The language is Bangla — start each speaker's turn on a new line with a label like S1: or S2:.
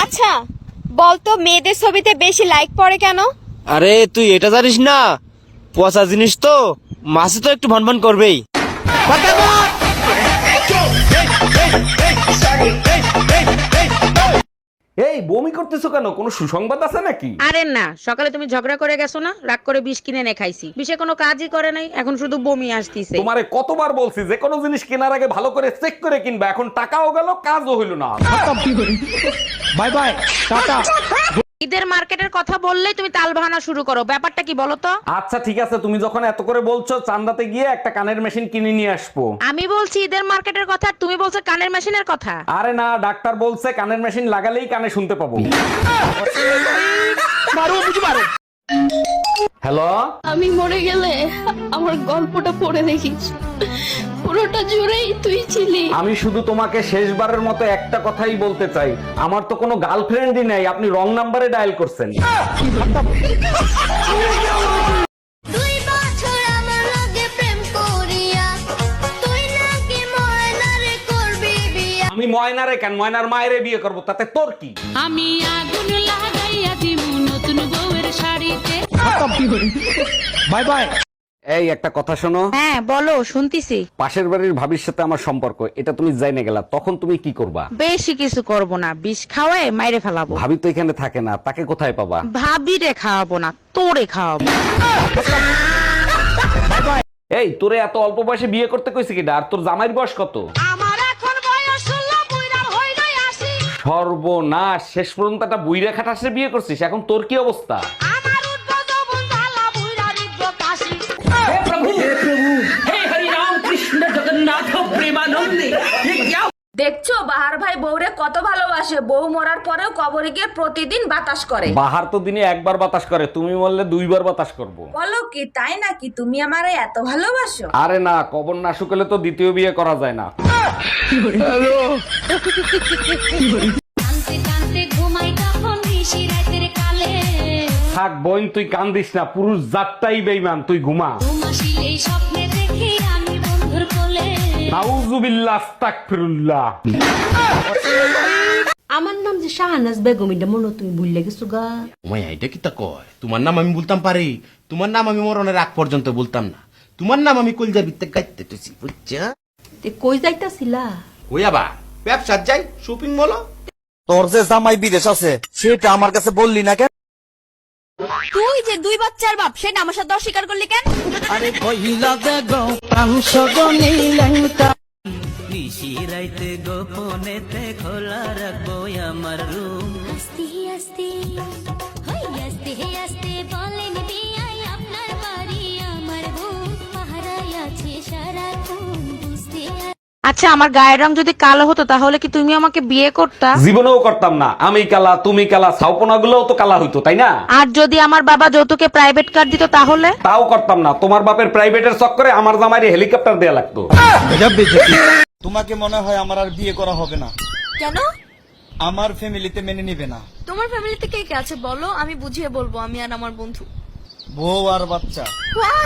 S1: আচ্ছা বলতো মেয়েদের ছবিতে বেশি লাইক পড়ে কেন?
S2: আরে তুই এটা জানিস না, পচা জিনিস তো মাছে তো একটু ভনভন করবেই।
S3: এই বমি করতেছো কেন? কোনো সুসংবাদ আছে নাকি?
S4: আরে না, সকালে তুমি ঝগড়া করে গেছো না, রাগ করে বিষ কিনে এনে খাইছি, বিষে কোনো কাজই করে নাই, এখন শুধু বমি আসতিছে।
S3: তোমারে কতবার বলছি যে কোনো জিনিস কেনার আগে ভালো করে চেক করে কিনবা, এখন টাকাও গেল কাজও হইল না।
S2: Bye bye, tata.
S4: ঈদের মার্কেটের কথা বললেই তুমি তাল বাহানা শুরু করো, ব্যাপারটা কি বলো তো?
S3: আচ্ছা ঠিক আছে, তুমি যখন এত করে বলছো চান্দাতে গিয়ে একটা কানের মেশিন কিনে নিয়ে আসবো।
S4: আমি বলছি ঈদের মার্কেটের কথা, আর তুমি বলছো কানের মেশিনের কথা।
S3: আরে না, ডাক্তার বলছে কানের মেশিন লাগালেই কানে শুনতে পাবো। হ্যালো,
S5: আমি মরে গেলে আমার গল্পটা পড়ে দেখিস, পুরোটা জুড়েই তুই ছিলি।
S3: আমি শুধু তোমাকে শেষবারের মতো একটা কথাই বলতে চাই, আমার তো কোনো গার্লফ্রেন্ডই নাই, আপনি রং নাম্বারে ডায়াল করছেন। আমি ময়নারে কেন, ময়নার মায়েরে বিয়ে করব, তাতে তোর কি?
S5: আমি আগুন লাগাইয়া দিমু নতুন বউয়ের শাড়িতে।
S2: Bye bye.
S3: এই একটা কথা শোনো,
S4: হ্যাঁ বলো, শুনতিছি।
S3: পাশের বাড়ির ভাবির সাথে আমার সম্পর্ক, এটা তুমি জাইনে গেলা, তখন তুমি কি করবা?
S4: বেশি কিছু করব না, বিষ খাওয়ায় মাইরে ফেলাবো।
S3: ভাবি তো এখানে থাকে না, তাকে কোথায় পাবা?
S4: ভাবিরে খাওয়াবো না, তোরে খাওয়াবো।
S3: এই তোরে এত অল্প বয়সে বিয়ে করতে কইছে কিডা? আর তোর জামাইর বয়স কত?
S4: আমার এখন বয়স 16, বুইড়া হইলাই আসি।
S3: সর্বনাশ, শেষ পর্যন্ত একটা বুইরা খাটাসে বিয়ে করছিস, এখন তোর কি অবস্থা?
S4: আমার উঠবো যৌবন জ্বালা, বুইড়া রিঠবো কাশি।
S6: দেখছো বাহার ভাই বউরে কত ভালোবাসে, বউ মরার পরেও কবরে গিয়ে প্রতিদিন বাতাস করে।
S3: বাহার তো দিনে একবার বাতাস করে, তুমি বললে দুইবার বাতাস করব।
S6: বলো কি তাই নাকি? তুমি আমারে এত ভালোবাসো?
S3: আরে না, কবর না শুকলে তো দ্বিতীয় বিয়ে করা যায় না।
S5: কানতে কানতে ঘুমাই তখন নিশি রাতের কালে,
S3: থাক বোন, তুই কান্দিস না, পুরুষ জাতটাই বেঈমান, তুই ঘুমা।
S5: ঘুমাসিলেই স্বপ্নে দেখি আমি বন্ধুর কোলে।
S3: নাউজুবিল্লাহ, আস্তাগফিরুল্লাহ।
S7: আমার নাম যে শাহনাজ বেগম, এটা মনে হয় তুমি ভুলে গেছো গা।
S8: মাইয়া এটা কি তা কয়? তোমার নাম আমি বলতাম পারি, তোমার নাম আমি মরণের আগ পর্যন্ত বলতাম না। তোমার নাম আমি কলজার ভিতরে গাইতে তুই বুঝছা?
S7: তে কই যাইতাছিলা?
S8: ওই আবার ব্যবসা যাই, শপিং মল।
S2: তোর যে জামাই বিদেশ আছে সেটা আমার কাছে বললি না কেন?
S1: তুই যে 2 বাচ্চার বাপ, সেটা আমার সাথে অস্বীকার করলি কেন?
S2: আরে কইলা দে গো পাংশ গনিলেনটা নিশিরাইতে গোপনেতে খোলা রাখবো আমার রুম।
S5: আস্তে আস্তে হই আস্তে আস্তে বলেন বিয়াই আপনার বাড়ি আমার বউ পাহারায় আছে সারাক্ষণ বুঝতে।
S4: আচ্ছা, আমার গায়ের রং যদি কালো হতো তাহলে কি তুমি আমাকে বিয়ে করতা?
S3: জীবনেও করতাম না, আমি কালা তুমি কালা, ছাউপনা গুলোও তো কালা হইতো, তাই না?
S4: আর যদি আমার বাবা যৌতুকে প্রাইভেট কার দিত তাহলে?
S3: তাও করতাম না, তোমার বাপের প্রাইভেটের চক্করে আমার জামাইরে হেলিকপ্টার দেয়া লাগতো।
S9: তোমাকে মনে হয় আমার আর বিয়ে করা হবে না।
S1: কেন?
S9: আমার ফ্যামিলিতে মেনে নিবে না।
S1: তোমার ফ্যামিলিতে কে কে আছে বলো, আমি বুঝিয়ে বলবো, আমি আর আমার বন্ধু।
S9: বউ আর বাচ্চা।